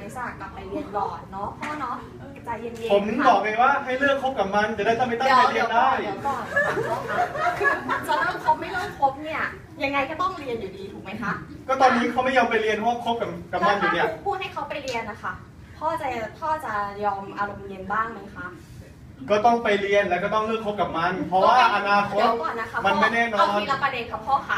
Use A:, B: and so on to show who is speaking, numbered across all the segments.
A: จะกลับไปเรียนก่อนเนาะพ่อเนาะใจเย็นๆ
B: ผมบอกเลยว่าให้เลิกคบกับมันจะได้ไม่ตั้งใจเรียนได้
A: เดี๋ยวก่อนคือจะเลิกคบไม่เลิกคบเนี่ยยังไงก็ต้องเรียนอยู่ดีถูกไหมคะ
B: ก็ตอนนี้เขาไม่ยอมไปเรียนเพราะคบกับมันอยู่เนี่ย
A: ถ้าพูดให้เขาไปเรียนนะคะพ่อจะยอมอารมณ์เย็นบ้างไหมคะ
B: ก็ต้องไปเรียนแล้วก็ต้องเลิกคบกับมัน เพราะว่าอนาคต
A: เดี๋ยวก่อนนะคะ
B: มันไม่แน่นอน
A: เอาทีละประเด็นค่ะพ่อค่ะ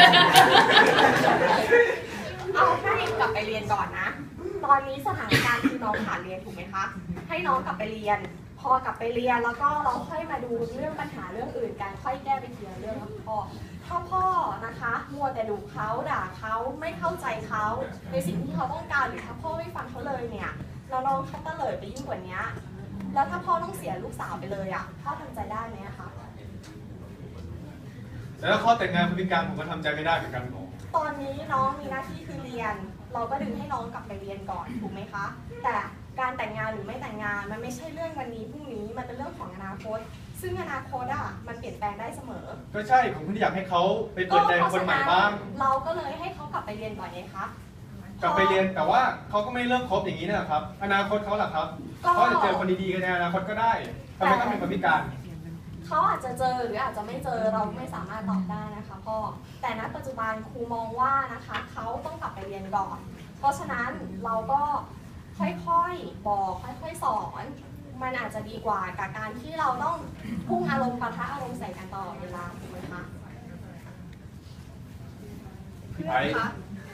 A: เอาให้กลับไปเรียนก่อนนะ ตอนนี้สถานการณ์คือน้องขาดเรียนถูกไหมคะ ให้น้องกลับไปเรียน พอกลับไปเรียนแล้วก็เราค่อยมาดูเรื่องปัญหาเรื่องอื่นกันค่อยแก้ไปทีละเรื่องนะพ่อ ถ้าพ่อนะคะมัวแต่ดุเขาด่าเขาไม่เข้าใจเขาในสิ่งที่เขาต้องการหรือถ้าพ่อไม่ฟังเขาเลยเนี่ยแล้วน้องเขาเตลิดไปยิ่งกว่านี้แล้วถ้าพ่อต้องเสียลูกสาวไปเลยอ่ะพ่อทำใจได้ไหมคะ
B: แล้วข้อแต่งงานพฤติกรรมผมก็ทำใจไม่ได้เหมือนกัน
A: ตอนนี้น้องมีหน้าที่คือเรียน เราก็ดึงให้น้องกลับไปเรียนก่อนถูกไหมคะ แต่การแต่งงานหรือไม่แต่งงานมันไม่ใช่เรื่องวันนี้พรุ่งนี้มันเป็นเรื่องของอนาคต ซึ่งอนาคตอ่ะมันเปลี่ยนแปลงได้เสมอ
B: ก็ใช่ผมก็อยากให้เขาไปเปิดใจคนใหม่บ้าง
A: เราก็เลยให้เขากลับไปเรียนก่อนไงคะ
B: กลับไปเรียนแต่ว่าเขาก็ไม่เลิกคบอย่างนี้นะครับ อนาคตเขาล่ะครับเขาจะเจอคนดีๆกันในอนาคตก็ได้ทำไมต้องเป็นคนพิการ
A: เขาอาจจะเจอหรืออาจจะไม่เจอเราไม่สามารถตอบได้นะคะพ่อแต่ณปัจจุบันครูมองว่านะคะเขาต้องกลับไปเรียนก่อน เพราะฉะนั้นเราก็ค่อยๆบอกค่อยๆสอนมันอาจจะดีกว่ากับการที่เราต้องพุ่งอารมณ์ปะทะอารมณ์ใส่กันตลอดเวลาถูกไหมคะเพื่อนคะ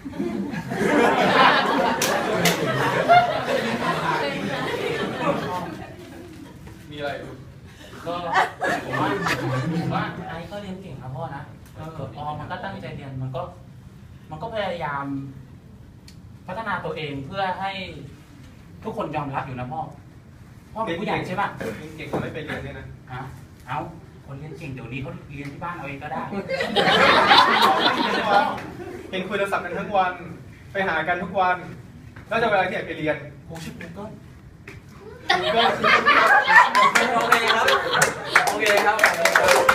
B: มีอะไร
C: ก็ผมว่าไอ้ก็เรียนเก่งครับพ่อนะออมมันก็ตั้งใจเรียนมันก็พยายามพัฒนาตัวเองเพื่อให้ทุกคนยอมรับอยู่นะพ่อเป็นผู้ใหญ่ใช่ป่ะ
B: เก่งเขาไม่ไปเรียนเนี่ยนะ
C: เอาคนเรียนเก่งเดี๋ยวนี้เขาเรียนที่บ้านเอาเองก็ได้
B: เห็นคุยโทรศัพท์กันทั้งวันไปหากันทุกวันแล้วจะเวลาที่ไหนไปเรียน
C: โหชื่อกูเกิล
B: ก็
D: โอเคครับ โอเคครับ